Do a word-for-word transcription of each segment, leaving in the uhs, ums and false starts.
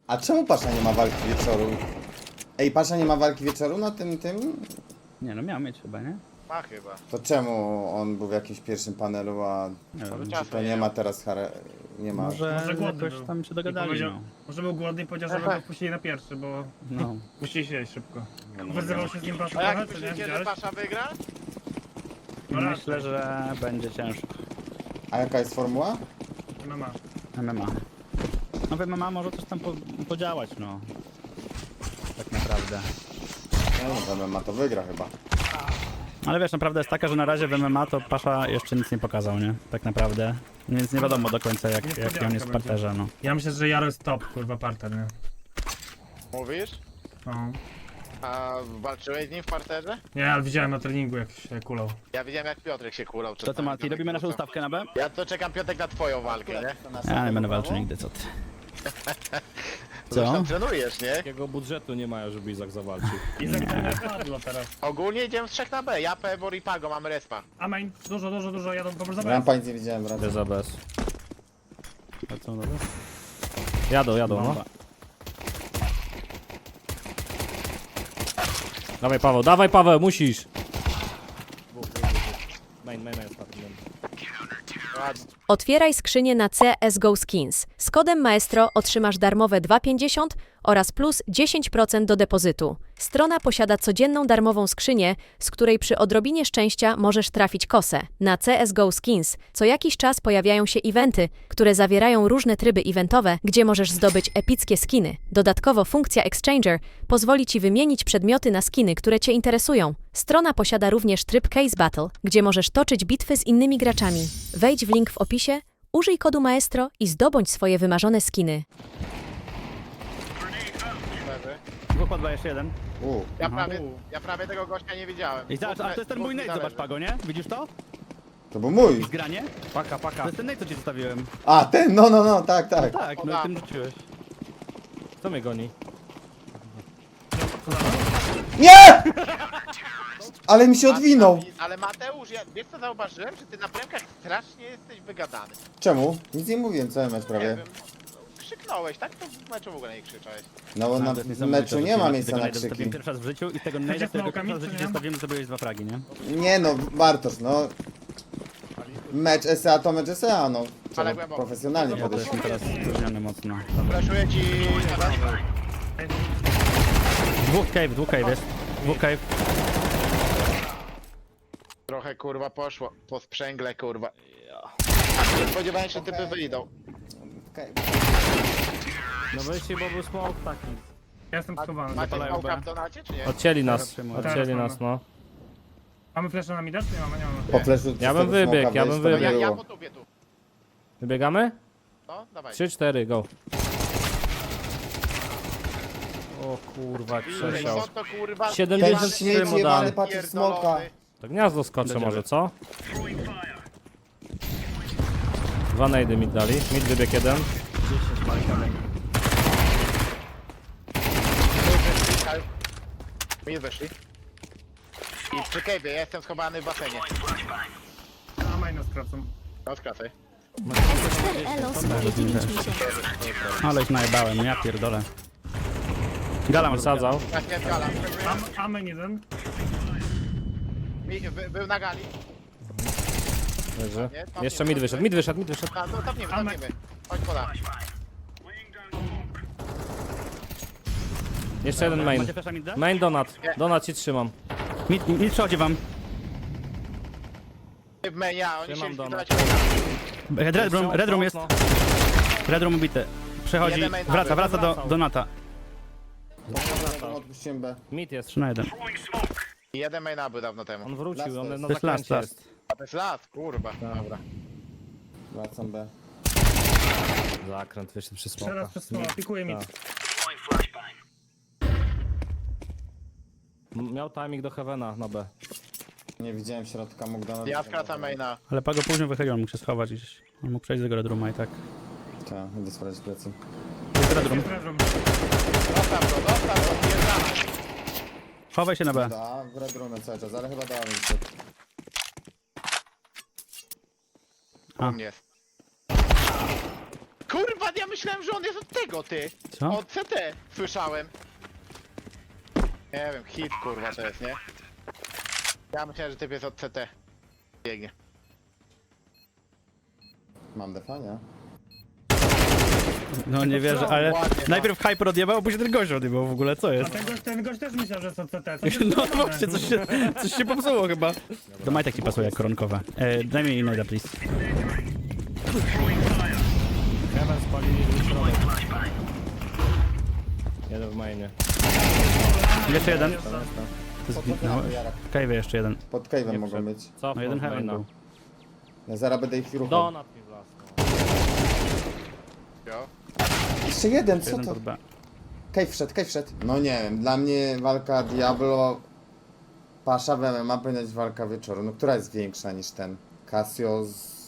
A czemu Pasza nie ma walki wieczoru? Ej, Pasza nie ma walki wieczoru na tym, tym? Nie no, miał mieć chyba, nie? Ma chyba. To czemu on był w jakimś pierwszym panelu, a Nie wiem. Może to czasu nie nie ma miał. teraz chare... nie ma... Może, Może głodny jakoś był. tam się I dogadali, powiedział, no. może był głodny i powiedział, żeby go wpuścili na pierwszy, bo no. musieli się jeść szybko. no, Wyzywał się z nim Pasza A jak trochę, co nie? myślicie, że Widziałeś? Pasza wygra? No raz, Myślę, że będzie ciężko. A jaka jest formuła? M M A. M M A. No w M M A może coś tam po, podziałać, no. Tak naprawdę. No, no, ma to wygra chyba. Ale wiesz, naprawdę jest taka, że na razie w M M A to Pasza jeszcze nic nie pokazał, nie? Tak naprawdę. Więc nie wiadomo do końca jak, jak on jest w parterze, no. Ja myślę, że Jaro jest top, kurwa, parter, nie? Mówisz? No. A walczyłeś z nim w parterze? Nie, ale widziałem na treningu, jak się kulał. Ja widziałem jak Piotrek się kulał. To co Mati, robimy naszą ustawkę na B? Ja to czekam Piotrek na twoją walkę, nie? Ja nie będę walczył nigdy, co ty. Zresztą Co? trenujesz, nie? Takiego budżetu nie mają, żeby Izak zawalczył. I za które padło teraz. Ogólnie idziemy z trzech na B. Ja, Pebor i Pago mamy respa. A main, dużo, dużo, dużo, jadą po prostu Rampa nic nie widziałem, Bez raczej. za bez. A co, dobra? Jadą, jadą, no. Bomba. Dawaj Paweł, dawaj Paweł, musisz! Main, main, main, ostatni. Ładnie. Otwieraj skrzynię na C S G O Skins. Z kodem Maestro otrzymasz darmowe dwa pięćdziesiąt oraz plus dziesięć procent do depozytu. Strona posiada codzienną darmową skrzynię, z której przy odrobinie szczęścia możesz trafić kosę. Na C S G O Skins co jakiś czas pojawiają się eventy, które zawierają różne tryby eventowe, gdzie możesz zdobyć epickie skiny. Dodatkowo funkcja Exchanger pozwoli Ci wymienić przedmioty na skiny, które Cię interesują. Strona posiada również tryb Case Battle, gdzie możesz toczyć bitwy z innymi graczami. Wejdź w link w opisie, użyj kodu Maestro i zdobądź swoje wymarzone skiny. Leży. Dwóch pod B, jeszcze jeden. U, Ja prawie, ja prawie tego gościa nie widziałem. I zobacz, a to jest ten mój nate, zobacz Pago, nie? Widzisz to? to był mój. Zgranie? Paka, To paka. jest ten nate, co ci zostawiłem. A, ten, no, no, no, tak, tak. Tak, no i tym rzuciłeś. Kto mnie goni? Nie! Ale mi się odwinął. Ale Mateusz, ja, wiesz co zauważyłem? Że ty na premkach strasznie jesteś wygadany. Czemu? Nic nie mówiłem, cały mecz Nie prawie. wiem. Krzyknąłeś, tak? To w meczu w ogóle nie krzyczałeś. No bo na To jest niesamowite, meczu że nie ty ma na- miejsca tego na nade'a zostawiłem krzyki. pierwszy raz w życiu i z tego nade'a, Chcecie którego smokami, pierwszy raz w czy życiu nie? zostawiłem, że zrobiłeś dwa fragi, nie? Nie no, Bartosz, no. Mecz S A to mecz S A, no. Trzeba Ale głęboko. profesjonalnie Ja to podejść. jestem teraz spóźniony mocno. Flaszuję ci... Dwóch cave, dwóch cave jest. Dwóch cave. Trochę kurwa poszło. Po sprzęgle kurwa. Nie spodziewałem się, że typy wyjdą. Okej. No wyjście, bo był smoke taki. Ja jestem schowany. Macie Zapalają smoka B. w donacie, czy nie? Odcięli Teraz nas, przyjmuję. odcięli Teraz nas, no. Mamy flash na mida, czy nie mamy? Nie mamy. Po fleszu Ja bym z tego wybiegł, smoka ja wejść, bym to by Ja, wybiegł. ja było. po tubie tu. Wybiegamy? No, dawaj. trzy cztery, go. O kurwa, jak Ile przesiał. są to kurwa... siedemdziesiąt Ten trzy śmieć mu jebany dam. patrzy w smoka. To gniazdo skoczę może, co? Dwa najdy mi dali. Mid wybieg jeden. Mi weszli. I przy cave'ie, ja jestem schowany w basenie. A maina skracam. No, skracaj. cztery Elo swoje dziewięć miesięcy. Ale już najebałem, ja pierdolę. Gala może Wysadzał. Tak, nie gala. A, a main jeden. Mi, by, był na gali. Leży. Nie? Tam Jeszcze nie, mid tam wyszedł, nie. mid wyszedł, mid wyszedł. A, no tapniemy, A, tapniemy. Chodź poda. Jeszcze jeden main. Macie flasha mid da? Main donat. Donat ci trzymam. Mid, mid przechodzi wam. W menia, oni Trzymam się doma. zbierać. Red room, red room jest. Red room ubity. Przechodzi, Jeden main wraca, aby. wraca do, do nata. Odpuściłem B. Mid jest. trzy na jeden. Jeden maina był dawno temu. On wrócił, on na To jest last, zakręcie last. jest. A to jest las, kurwa. Dobra. Wracam B. Zakręt wyszedł przy smoka. Teraz przez smoka, pikuje mi. Tak. M- Miał timing do Heavena na B. Nie widziałem środka, mógł do nas. Ja skracam maina. Ale Pago później wychylił, on mógł się schować gdzieś. On mógł przejść z tego red rooma i tak. Tak, idę sprawdzić plecy. Jest red room. Red room. Dostaw go, dostaw go, zjeżdżamy. Chowaj się na B. Da, w red roomie cały czas, ale chyba dała mi się. A. U mnie jest. kurwa, ja myślałem, że on jest od tego, ty. Co? Od C T słyszałem. Nie wiem, hit kurwa to jest, nie? Ja myślałem, że typ jest od C T. Biegnie. Mam defa, nie? No nie wierzę, ale ładnie, no. najpierw Hyper odjebał, a później ten gość odjebał w ogóle, co A jest? ten gość, ten gość też myślał, że są C T. Co się No stało? właśnie, coś się, coś się popsuło chyba. Do majtek ci pasuje jak koronkowe. E, daj mi innego, please. Heaven spalili dwóch środek. Jeden w mainie. Jeszcze jeden. To jest to. Zginąłeś. Kajwy jeszcze jeden. Pod cave'em mogą być. Co? No jeden heaven był. Ja zaraz będę ich ruchał. Donat mi wlasnął. Jo. Jeszcze jeden, co Jeden to? pod B. Cave wszedł, cave wszedł. No nie wiem, dla mnie walka Diablo... Pasza w M M A powinna być walka wieczoru. No która jest większa niż ten? Casio z...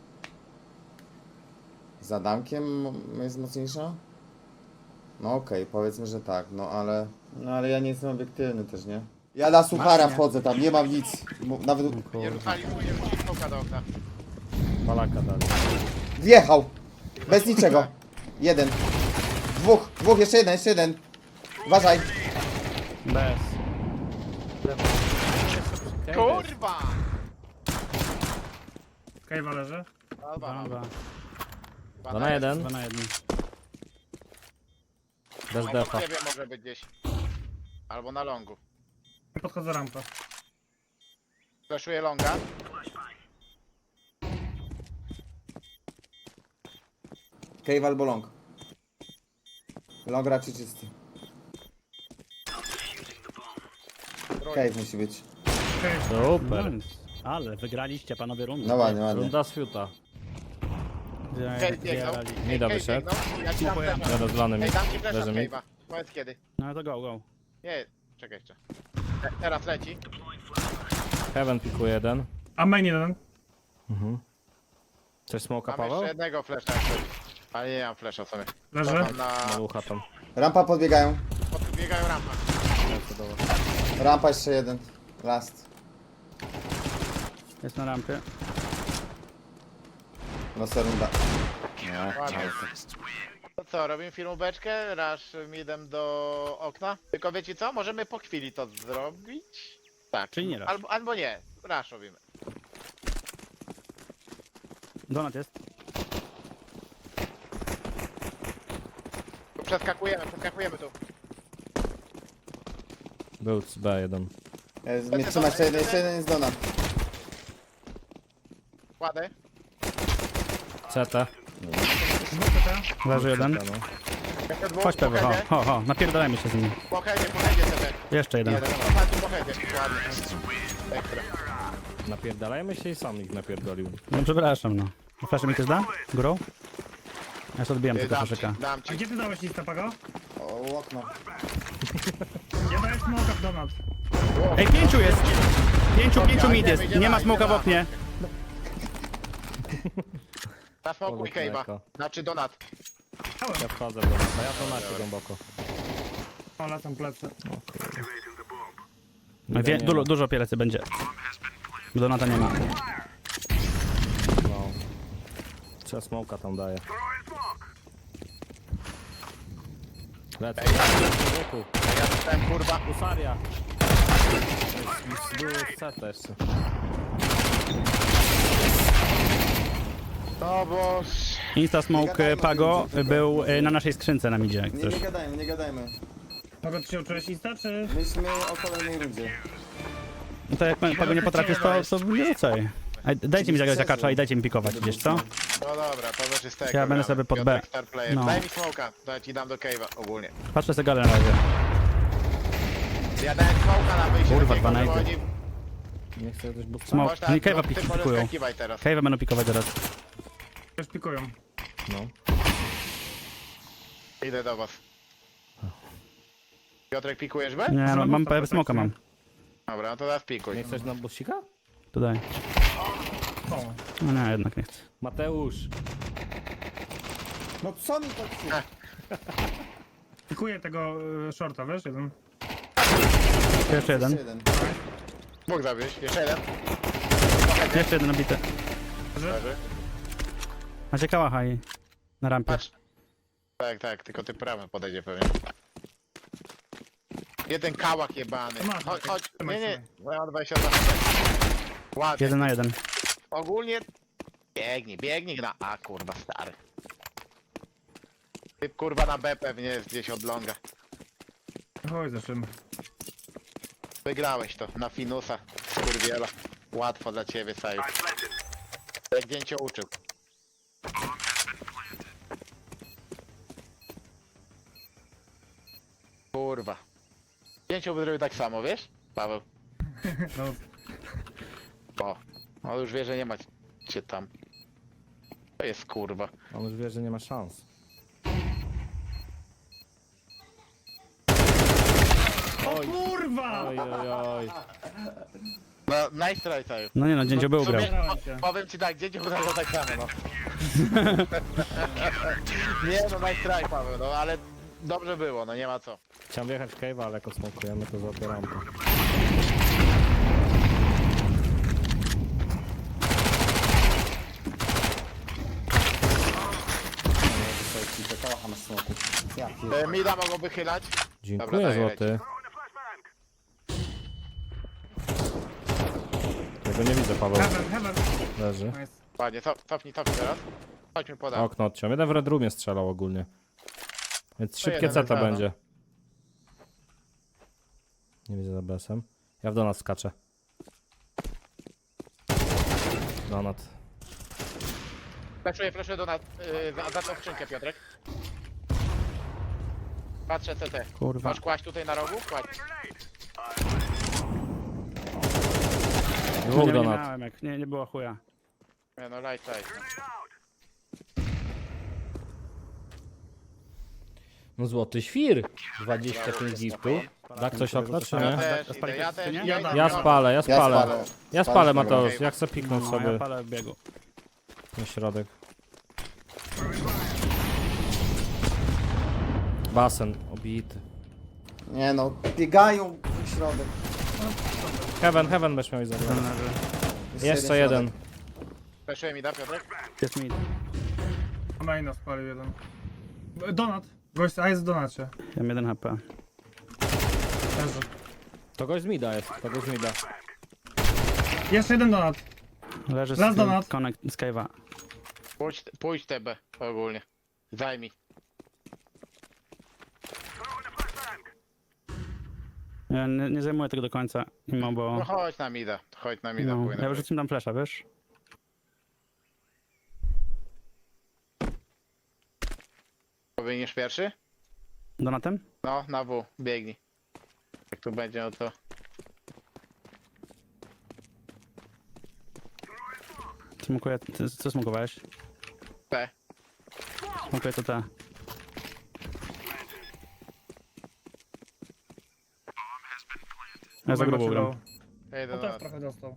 Z Adamkiem jest mocniejsza? No okej, powiedzmy, że tak, no ale... No ale ja nie jestem obiektywny też, nie? Ja na suchara wchodzę tam, nie mam nic. Mo- Nawet... Nie rzucali, nie rzucili smoka do okna. Palaka dali. Wjechał! Bez niczego. Jeden. Dwóch, dwóch, jeszcze jeden, jeszcze jeden. Uważaj. Bez. Kurwa! Kejwa leży. Alba, Dwa, dwa. Dwa na jeden. Dwa na jeden. Bez Obok defa. ciebie może być gdzieś. Albo na longu. Podchodzę rampę. Flashuję longa. Cave albo long. Long raczej czysty. Cave musi być. Super. Nice. Ale wygraliście panowie rundę. No ładnie, ładnie. Runda z fiuta. Cave biegnął. Mida Cave wyszedł. biegnął. Ja ci dam Dziękuję. flasha. Jadę z lanem. Ej, dam ci flasha Leży z mi. cave'a. Powiedz kiedy. No to go, go. Nie, czekaj jeszcze. Te, teraz leci. Heaven pikuje jeden. A main jeden. Coś smoka Mam Paweł? jeszcze jednego flasha jak coś. Ale nie mam flasha sobie. Leży. Mam na... Na ucha tam. Rampa podbiegają. Podbiegają rampa. Rampa jeszcze jeden. Last. Jest na rampie. No runda. No, Ładnie. To co, robimy filmóweczkę? Rush midem do okna? Tylko wiecie co? Możemy po chwili to zrobić? Tak. Czyli nie rush. Albo, albo nie. Rush robimy. Donat jest. Tu przeskakujemy, przeskakujemy tu. Był z B jeden. E, Nie trzyma jeszcze jeden, jeszcze jeden jest Dona. Kładę. C T. Leży jeden. No. Jeszcze dwóch. Chodź Pewy, ho, Po headzie, ho, ho. Napierdalajmy się z nimi. po headzie, po headzie sobie. Jeszcze jeden. Jeden. Ostatni po headzie. Ładnie. Ekstra. Napierdalajmy się i sam ich napierdolił. No przepraszam, no. Flash mi też da? Górą? Ja sobie odbijam tylko Dam ci, flaszyka. dam A ci. gdzie ty dałeś listę, Pago? O, okno. Ja dałem smoka w donat. Ej, pięciu jest! Pięciu, pięciu mid jest. Nie ma smoka w oknie. Na smoku i cave'a. Mleko. Znaczy donat. Ja wchodzę w donata, ja to macie głęboko. O, lecą plecy. Wie, dużo, dużo pielecy będzie. Donata nie ma. No. Trzeba smoka tam daje. Lecę. Wokół. Ja dostałem kurwa. Usaria. Był z C T jeszcze. No bo... Insta Smoke Pago był y, na naszej skrzynce na midzie, jak Nie, coś. nie gadajmy, nie gadajmy. Pago, ty się uczyłeś lista, czy? Myślmy o kolejnej rundzie. No to jak Pago nie potrafisz, to, to nie rzucaj. Ej, dajcie mi zagrać akacza i dajcie mi pikować, wiesz co? No dobra, to też jest tego. Ja będę sobie pod B. Star player. No. Daj mi smoka, to ja ci dam do cave'a ogólnie. Patrzę sobie galę na razie. Ja dałem smoka na wyjście Kurwa, do dwa cave'a, na bo jeden. oni... Nie chcę coś busta. Smoke. Można- Oni cave'a no, ty pik- możesz pikują. skakiwać teraz. Cave'a będą pikować teraz. Też pikują. No. Idę do was. Piotrek, pikujesz B? Nie, no, mam Zostaw, smoka mam. Dobra, no to teraz pikuj. Nie chcesz na busika? To daj. O, No nie, jednak nie chcę. Mateusz. No co mi to przy... pikuję tego y, shorta, wiesz, jeden. Jeszcze jeden. Jeszcze jeden. Mógł zabić. Jeszcze jeden. Jeszcze jeden nabity. Leży. Macie kałacha i... Na rampie. Patrz. Tak, tak, tylko ty prawy podejdzie pewnie. Jeden kałak jebany. Masz, Chodź, chodź. trzymaj, Nie, nie. trzymaj. Ja mam dwadzieścia dwa. Ładnie. Jeden na jeden. Ogólnie biegnij, biegnij na A, kurwa, stary. Typ kurwa na B pewnie jest gdzieś od longa. Chodź, zaczynamy. Wygrałeś to na finusa, skurwiela. Łatwo dla ciebie, Saju. Jak dzień cię uczył. Kurwa. Dzięcioł by zrobił tak samo, wiesz? Paweł. No, O. On już wie, że nie ma cię tam. To jest kurwa. On już wie, że nie ma szans. o kurwa! Oj, oj, oj. No, nice try, Saju. No nie no, dzięcioł był grał. Sobie- po- Powiem ci tak, dzięcioł by zrobił tak samo, no. Nie no, nice try, Paweł, no ale dobrze było, no nie ma co. Chciałem wjechać w cave'a, ale jak odsmokujemy, to złapię rampę. Kocham smoku. Ja E, pierdolę. Mida mogą wychylać. Dziękuję, daję złoty. Tego nie widzę, Paweł. Heaven, heaven. Leży. Nice. Ładnie, cof, cofnij, cofnij teraz. Chodźmy podam. Okno odciąłem. Jeden w Red Roomie strzelał ogólnie. Więc szybkie jeden ceta za, no. będzie. Nie widzę za B S-em. Ja w donat skaczę. Donat. Flaszuję, flaszuję do nas. Yy, za, za tą skrzynkę, Piotrek. Patrzę C T. Kurwa. Masz kłaść tutaj na rogu? Kładź. Dwóch Nie, nie donat. miałem, jak nie, nie było chuja. Nie no, light side. No złoty świr. dwadzieścia pięć giftów. Da ktoś okno, czy Ja nie? też, spalić idę, ja wszyscy, też. nie? Ja, Ja Ja spalę, ja Ja spalę. spalę. Ja Spalić spalę, dobra. Mateusz. Ja chcę piknąć No, sobie ja palę w biegu. na środek. Basen obity. Nie no, biegają w środek. Heaven, heaven będziesz miał i zabrać. Ten leży. Jeszcze jeden. Flaszuję mi da, Piotrek? Jest mid. Maina spalił jeden. Donat. Gość, a jest w donacie. Ja mam jeden H P. Leży. To gość z mida jest, to gość z mida. Jeszcze jeden donat. Leży Raz z donat. connect z cave'a. Pójdź, pójdź T B ogólnie. Zajmij. Ja nie, nie zajmuję tego do końca, mimo bo... No chodź na mida, chodź na mida, No, płynę. ja wyrzucim tam flesza, wiesz? Powiniesz pierwszy? Donatem? No, na W, biegnij. Jak tu będzie, no to... Smokuję, ty, co smokowałeś? T. Smokuję to te. Ja za grubo gram. Ja idę No do też nas. trochę dostał.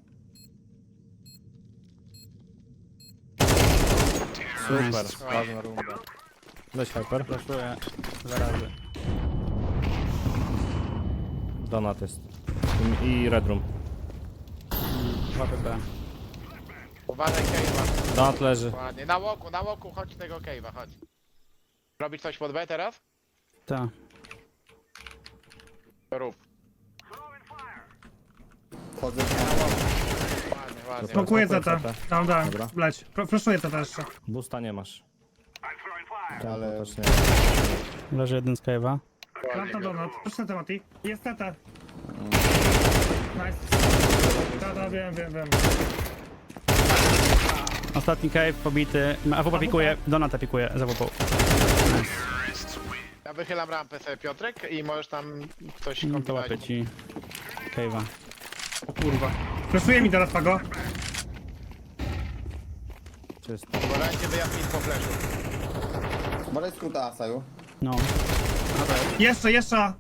Super, ważna runda. Weź hyper. Flashuję dwa razy. Donat jest. I, i red room. dwa P P. Uważaj cave'a. Donat leży. Ładnie. Na łoku, na łoku, chodź tego cave'a, chodź. Robić coś pod B teraz? Ta. To rób. Wchodzę. Ładnie, ładnie. Smokuję Smokuję zeta. zetę. Dam, dam. Dobra. Bleć. Flaszuję zeta jeszcze. Busta nie masz. Ale Też nie. Leży jeden z cave'a. Planta donat. Proszę temati. Jest zeta. Nice. Da, da, wiem, wiem, wiem. Ostatni cave pobity. A W P pikuje, Donata pikuje za W P. Ja wychylam rampę sobie, Piotrek, i możesz tam coś No to kombinować. łapię ci cave'a. O kurwa. Flaszuję mi teraz pago. Czysto. Bo dajcie wyjazd po flashu. może jest skróta, Saju. No. Jeszcze, jeszcze.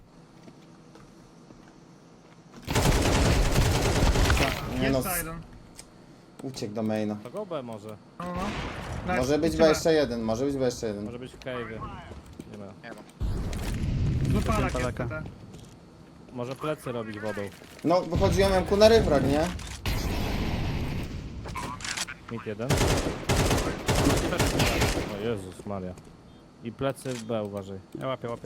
Nie no, Jeszcze jeden. uciekł do maina. To go B może. No, no. Nice. Może być Lecimy. B jeszcze jeden, może być B jeszcze jeden. Może być w cave'ie. Nie ma. Nie ma. Wypalak jest Palaka. zeta. Może plecy robić wodą. No, wychodziłem ku na ryfrak, nie? Mid jeden. O Jezus Maria. I plecy B, uważaj. Ja łapię, łapię.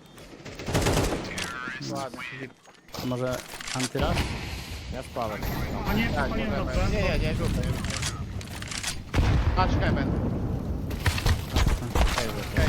Ładnie. A może antyraz? Ja spalę. A nie, Tak, przepaliłem możemy. dobrze. Nie, nie, nie, rzucaj. Patrz Heaven. Okej.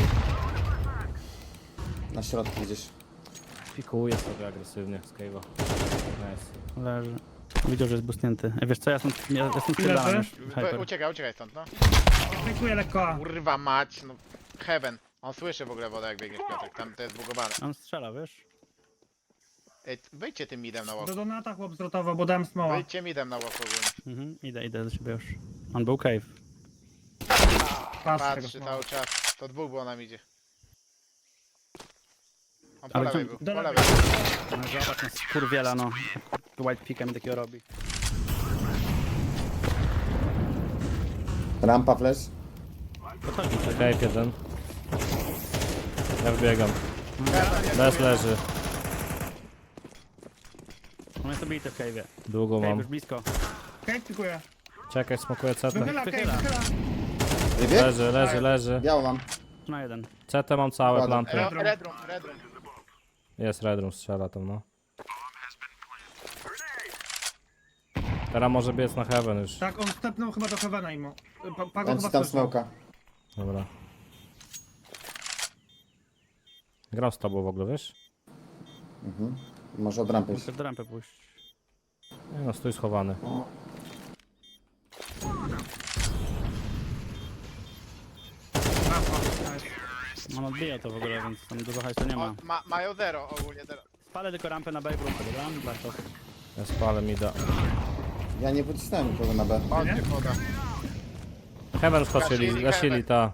Na środku gdzieś. Pikuję sobie agresywnie z cave'a. Nice. Leży. Widział, że jest boostnięty. Ej, wiesz co, ja stąd, ja, ja stąd Ile spierdałem ty? już. Wy- Hyper. Uciekaj, uciekaj stąd, no. Fejkuję lekko. Kurwa mać, no. Heaven. On słyszy w ogóle wodę jak biegniesz, Piotrek. Tam to jest zbugowane. On strzela, wiesz? Ej, wyjdźcie tym midem na łok. Do donata chłop zrotował, bo dałem smoła. Wyjdźcie midem na łok ogólnie. Mhm, idę, idę do siebie już. On był cave. Patrz tego Patrzy smoła. cały czas. To dwóch było na midzie. On po Ale lewej to- był, do po lewej. lewej. No zobacz, no skurwiela, no. White picka mi takiego robi. Rampa flash. Podchodźmy sobie. Cave jeden. Ja wbiegam. Bez leży. On jest obity w cave'ie. Długo Cave mam. już blisko. Okej, pikuję. Czekaj, smokuję C T. Wychyla, okej, Wychyla. wychyla. Wybieg? Leży, leży, leży. Biało mam. Na jeden. C T mam całe Ładnie. planty. Red room, red room, red room. Jest Red Room, strzela tam, no. Teraz może biec na Heaven już. Tak, on stepnął chyba do Heavena imo. Pa- Pago On chyba ci tam słyszał. smoka. Dobra. Gram z tobą w ogóle, wiesz? Mhm. Może od rampy iść. Muszę do rampy pójść. Nie no, stój schowany. Rampa, nice. On odbija to w ogóle, więc tam dużo hajsu nie ma. O, ma, mają zero ogólnie teraz. Spalę tylko rampę na Babe Room, dobra? Black Hawk. Ja spalę mida. Ja nie pocisnąłem nikogo na B. Chodźcie, woda. Heaven skoczyli, Gasili gasili Heaven. ta.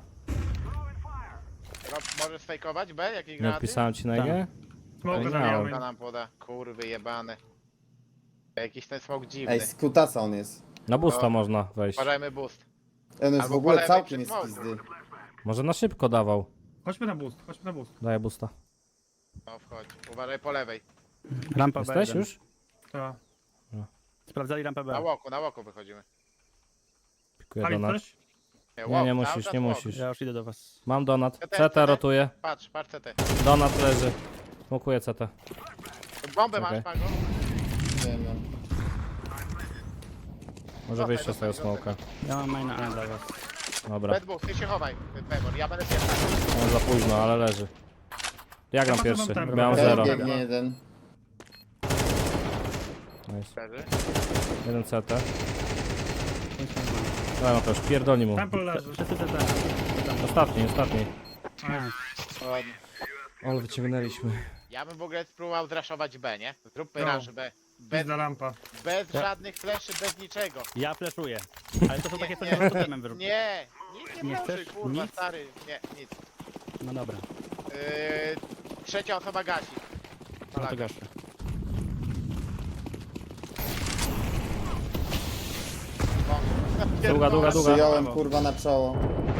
Rob, możesz fejkować B? Jakieś Nie granaty? odpisałem ci na IG? Smoka Nie zabijamy. Kurwa nam poda. Kurwy jebane. Jakiś ten smok dziwny. Ej, z kutasa on jest. Na boosta No. można wejść. Uważajmy boost. On jest Albo w ogóle po lewej całkiem przy jest smoku. pizdy. Może na szybko dawał. Chodźmy na boost, chodźmy na boost. Daję boosta. No wchodź. Uważaj po lewej. Rampa B Jesteś jeden. już? Tak. Sprawdzali rampę Na B. łoku, na łoku wychodzimy. Pikuję Pali donat. coś? Nie, łok, nie cały musisz, czas nie łok. musisz. Ja już idę do was. Mam donat. C T, C T C T. rotuje. Patrz, patrz C T. Donat leży. Smokuję C T. Bombę Czekaj. masz, Pago? Nie wiem. Może Zostań, wyjść z zostań, tego smoka. Ja mam maina A dla was. Dobra. Red Bull, ty się chowaj. Pebor, ja będę pierwszy. On za późno, ale leży. Ja gram Ja pierwszy. potem tam Miałem gram. zero. Ej, biegnie jeden. Nice. Leży. Jeden C T. Daj no to już, pierdolni mu. Temple leży. Wszyscy C T. Ostatni, ostatni. Ładnie. Ale wyciągnęliśmy. Ja bym w ogóle spróbował zraszować B, nie? Zróbmy No. rush B. Bez, Pizda lampa. bez żadnych fleszy, bez niczego. Ja fleszuję. Ale to są takie, co nie Nie. możesz potem wyrzucić. Nie, nic nie, Nie proszę, chcesz? kurwa, Nic? stary. Nie, nic. No dobra, Yy, trzecia osoba gasi. no to gaszę. Długa, długa, długa. Przyjąłem kurwa na czoło.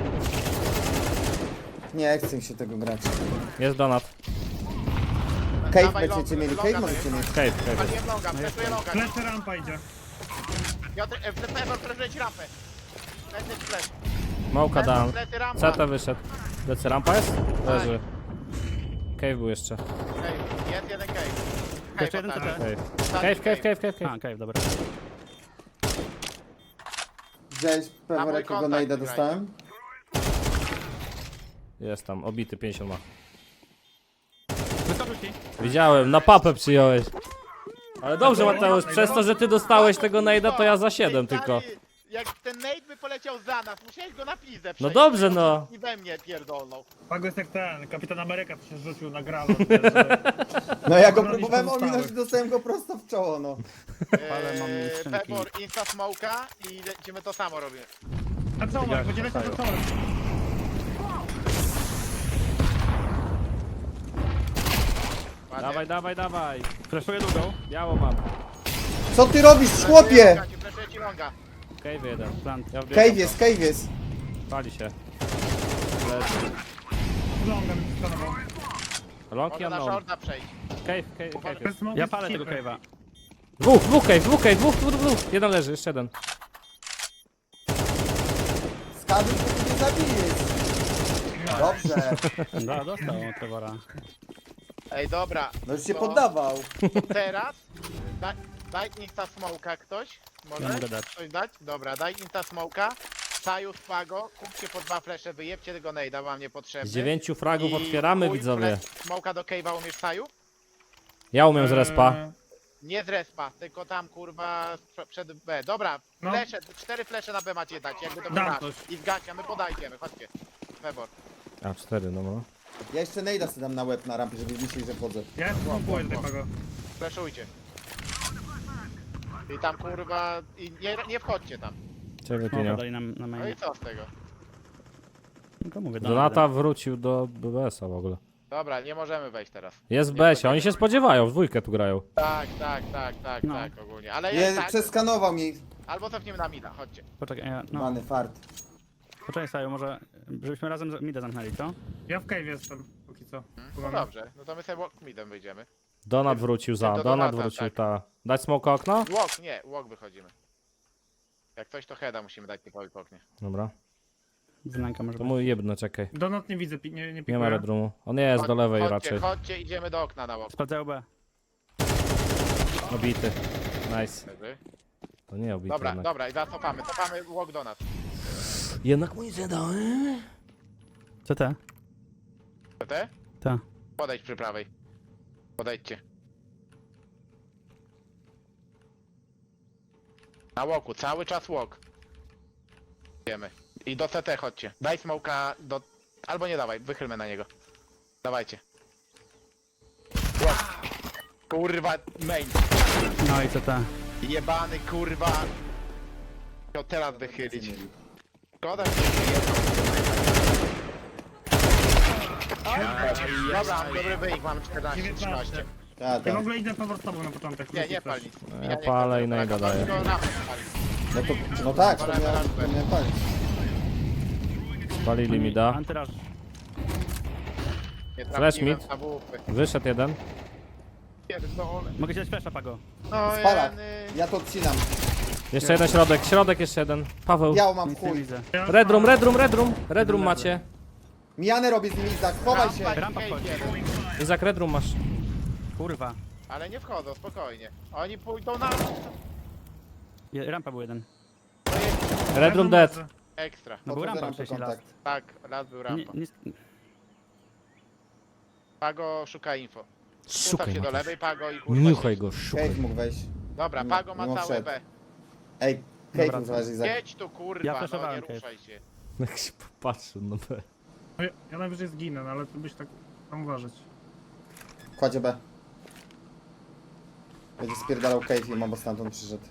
Nie chcę mi się tego grać. Jest donat. Cave Dawaj będziecie longa, mieli, longa cave możecie daję. mieć. Cave, cave. Paliłem longa, flashuję longa. Plecy rampa idzie. Piotr, e, Pebor, flashuje ci rampę. Plecy, flash. Małka down. Plecy, rampa. C T wyszedł. Lecy rampa jest? Leży. Cave był jeszcze. Cave, jest jeden cave. Jeszcze jeden ostatni. C T. Cave. Ostatni Cave, cave, cave, cave, cave. A, okej, dobra. Widziałeś Na pewnie mój jakiego kontakt najda graj. dostałem? Jest tam, obity pięćdziesiąt ma. Wyskoczył ci. Widziałem, na papę przyjąłeś. Ale dobrze Mateusz, przez to, że ty dostałeś tego najda, to ja za siedem Ej, stary, tylko. Jak ten nade by poleciał za nas, musiałeś go na pizdę No przejść. dobrze, no. I we mnie pierdolną. Pago jest jak ten, Kapitan Ameryka, to się rzucił na grala. No ja go Bronić próbowałem pozostałych. ominąć i dostałem go prosto w czoło, no. Ale mam Eee, skrzynki. Pebor, insta smoka i lecimy to samo robimy. A co, Mark, będzie leciał za czołem. Ładnie. Dawaj, dawaj, dawaj. Fleszuję długą. Biało mam. Co ty robisz, chłopie? Longa, ci flashuję ci longa. Cave jeden. Plant. Ja wbiegam Cave jest, cave jest. tam. Pali się. Leży. Longem skanował. Long Może ja na no. shorta przejść. Cave, cave, cave Bez jest. smoku Ja jest palę tego cipy. cave'a. Dwóch, dwóch cave, dwóch cave, dwóch, dwóch, dwóch. Jeden leży, jeszcze jeden. Skady zabijesz. Dobrze. Da, dostał Trevora. Ej, dobra. No już się to poddawał. Teraz daj, daj insta smoka ktoś. Może? Ja mogę dać. Coś dać? Dobra, daj insta smoka. Saju Spago, kupcie po dwa flesze, wyjebcie tego nejda, wam niepotrzebny. Z dziewięciu fragów I otwieramy, chuj, widzowie. flash Smoka do cave'a umiesz Saju? Ja umiem z respa. Eee, Nie z respa, tylko tam kurwa sprze- przed B. Dobra, No. flesze, cztery flesze na B macie dać, jakby to Dam masz. coś. I z gacia, my podajdziemy, chodźcie. Febor. A, cztery, no no. Ja jeszcze nejda sobie dam na łeb na rampie, żeby myśleli, że wchodzę. Ja spróbuję tutaj Pago. Fleszujcie. I tam kurwa, i nie, nie wchodźcie tam. Czego No, pieniądze? dali nam na No i mainie. co z tego? No to mówię, Donata wrócił do B B S-a w ogóle. Dobra, nie możemy wejść teraz. Jest w B S-ie, oni się spodziewają, w dwójkę tu grają. Tak, tak, tak, tak, No. tak, ogólnie. Ale Nie, jest tak, przeskanował mi. albo cofniemy na mida, chodźcie. Poczekaj, ja, no, Many fart. poczekaj Saju, może żebyśmy razem z- mida zamknęli, co? Ja w cave jestem, póki co. No dobrze, no to my sobie walk midem wyjdziemy. Donat wrócił za, Do Donat Donata, wrócił tak. ta. Dać smoka okno? Walk, nie, walk wychodzimy. Jak coś to heada musimy dać typowi po oknie. Dobra. Wnęka może To być. mój jebno, czekaj. Donut nie widzę, pi- nie, nie Nie ma pikuję. redrumu. On jest do lewej chodźcie, raczej. Chodźcie, idziemy do okna na walk. Sprawdzają B. Obity. Nice. Leży. To nie obity Dobra, jednak. dobra, i zaraz cofamy, cofamy walk do nas. Jednak mój zadałem. Co te? Te? Ta. Podejdź przy prawej. Podejdźcie. Na walku, cały czas walk. Idziemy. I do C T chodźcie. Daj smoka do... Albo nie dawaj, wychylmy na niego. Dawajcie. Walk. Kurwa, main. No i co te? Jebany, kurwa. To teraz wychylić. Szkoda, że nie jedną. Dobra, mam dobry wynik, mamy czternaście trzynaście. Ta, Ja w ta. ogóle idę Pawor z tobą na początek. Nie, nie pal nic. Ja nie palę chcę i najda tego, daję. tylko rampę palić. No, to, no tak, to miałem, to miałem palić. Spalili mi da. Antyraż. Nie Flash trafiłem mid. na wupy. Wyszedł jeden. Pierdolę. Mogę ci dać flasha, Pago. No Spalak. jeny. Ja to odcinam. Jeszcze jeden środek, środek jeszcze jeden. Paweł. Ja mam Nic nie chuj. widzę. Ja- Redrum, redrum, redrum. Redrum macie. Mijanę robię z nimi, Izak, chowaj się. Rampa i Rampa cave wchodzi. jeden. Izak, redrum masz. Kurwa. Ale nie wchodzą, spokojnie. Oni pójdą na... Je, rampa był jeden. Redrum dead. Ekstra. No był Podchodzę rampa rampę, wcześniej las. kontakt. Tak, raz był Nie, rampa. nie, Pago szuka info. Ustaw Szukaj się do go. lewej, Pago i kurwa... Niuchaj siedź. go, szukaj. Cave mógł wejść. Dobra, Nie- Pago ma nie całe wszedł. B. Ej, Dobra, cave zależy, Izak. Jedź tu kurwa, Ja no nie flashowałem cave. ruszaj się. Jak się popatrzył na B. No ja, ja najwyżej zginę, no ale to byś tak tam uważać. Kładzie B. Będzie spierdalał cave i mam, bo stamtąd przyszedł.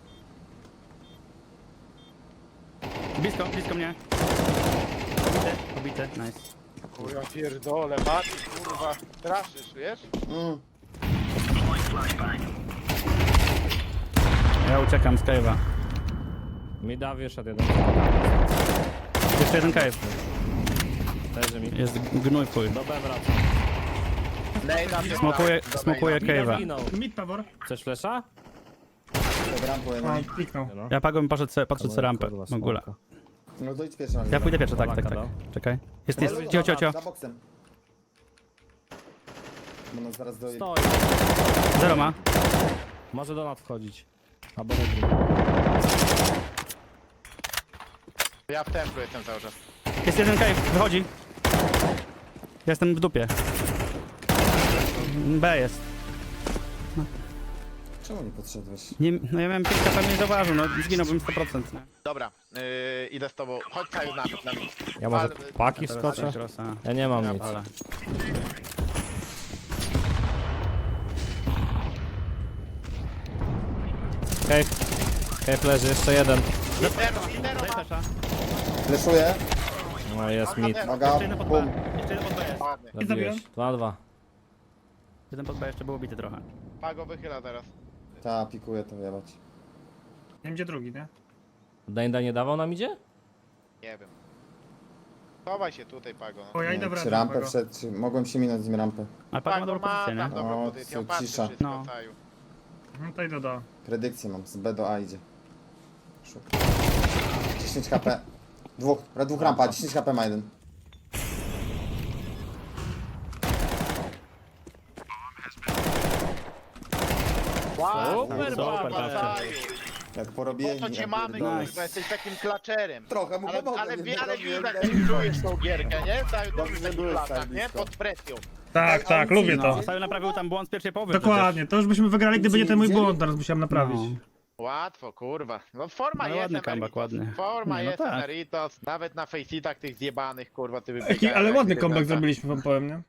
blisko, blisko mnie. Pobity, pobity, nice. Kurwa pierdolę, Mati, kurwa, straszysz, wiesz? Mm. Ja uciekam z cave'a. Mi da wyszedł jeden. Jeszcze jeden cave. Leży mi. Jest gnój w chuj. Do B wraca. Nejda Smokuję, pierdolę. smokuję cave'a. Zginął. Mid Pawor. Chcesz flesza? Pod rampą O, jeden. kliknął. No. Ja Pago bym poszedł sobie, patrzeć sobie No, rampę. kurwa, W ogóle. smoka. No to idź pierwszy raz. Ja pójdę pierwszy, tak, tak, Polaka tak. dał. Czekaj. Jest, Za- jest, cio, cio, cio. Za boksem. Bo nas zaraz do... Stoi. Zero ma. Może do nas wchodzić. Albo redrum. Ja w templu jestem cały czas. Jest jeden cave, wychodzi. Jestem w dupie. B jest. Czemu nie podszedłeś? Nie, no ja miałem pięć K P, mnie zauważył, no zginąłbym sto procent. Nie? Dobra, yy, idę z tobą. Chodź Saju na na mnie. Ja może Wal- paki Teraz wskoczę? Crossa. Ja nie mam Ja nic. Ale. Hej. Hej, leży, jeszcze jeden. Litero, litero Daj ma. flasha. Fleszuję. No jest mit. Uwaga, Jeszcze jeden pod B. bum. Jeszcze jeden pod B jest. Ładny. Zabiłeś. dwa dwa. Jeden pod B jeszcze był bity trochę. Pago wychyla teraz. Ta, pikuję to jebać. Nie wiem gdzie drugi, nie? Dajda nie dawał nam idzie? Nie wiem. Chowaj się tutaj, Pago. O, ja Nie idę wiem, w czy redrum, rampę Pago. wszedł, czy mogłem się minąć z nim rampę. Ale Pago ma Pago dobrą ma pozycję, tam nie? dobrą O, pozycję, co, patrzy cisza. wszystko, No. Saju. No to idę do. Predykcję mam, z B do A idzie. Szuk. dziesięć H P. Dwóch, dwóch rampa, dziesięć H P ma jeden. Wow, Super, super, Mataju. Jak Po porobieni. co cię ja mamy, pierdolę. kurwa, jesteś takim klackerem. Trochę mu Ale, pomogłem, ale, nie ale robiłem, widać, daj że mi czujesz tą gierkę, nie? Cały Dobrze, czas że w byłeś takich latach, tak nie? blisko. Pod presją. Tak, tak, lubię to. No, Sajo naprawił tam błąd z pierwszej połowy. Dokładnie, to już byśmy wygrali, gdyby nie ten mój błąd, teraz musiałem naprawić. No. Łatwo, kurwa. No forma No jest, ładny Emeritus. comeback, ładny. Forma Nie, no jest, tak. Emeritus. Nawet na faceitach tych zjebanych, kurwa, ty Jaki, wybiegają. ale jak ładny ty comeback wygląda. zrobiliśmy, wam powiem, nie?